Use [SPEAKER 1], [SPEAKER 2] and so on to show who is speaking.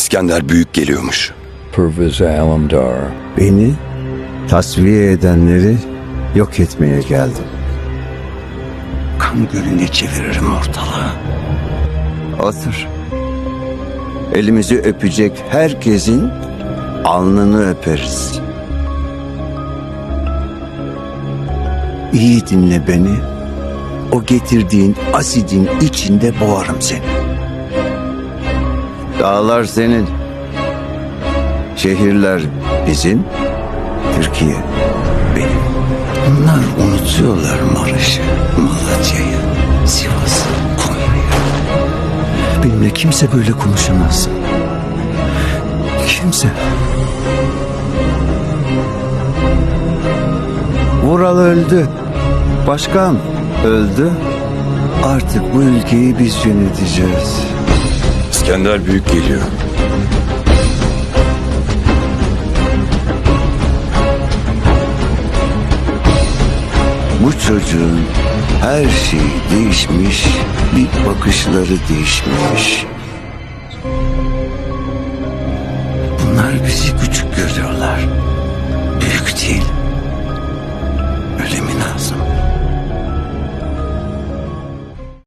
[SPEAKER 1] İskender Büyük geliyormuş.
[SPEAKER 2] Pervez Alemdar.
[SPEAKER 3] Beni tasfiye edenleri yok etmeye geldim. Kan gölüne çeviririm ortalığı. Otur. Elimizi öpecek herkesin alnını öperiz. İyi dinle beni. O getirdiğin asidin içinde boğarım seni. Dağlar senin. Şehirler bizim. Türkiye benim. Bunlar unutuyorlar Maraş'ı, Malatya'yı, Sivas'ı, Konya'yı. Benimle kimse böyle konuşamaz. Kimse. Vural öldü. Başkan öldü. Artık bu ülkeyi biz yöneteceğiz.
[SPEAKER 1] İskender Büyük geliyor.
[SPEAKER 3] Bu çocuğun her şeyi değişmiş, bir bakışları değişmiş. Bunlar bizi küçük görüyorlar.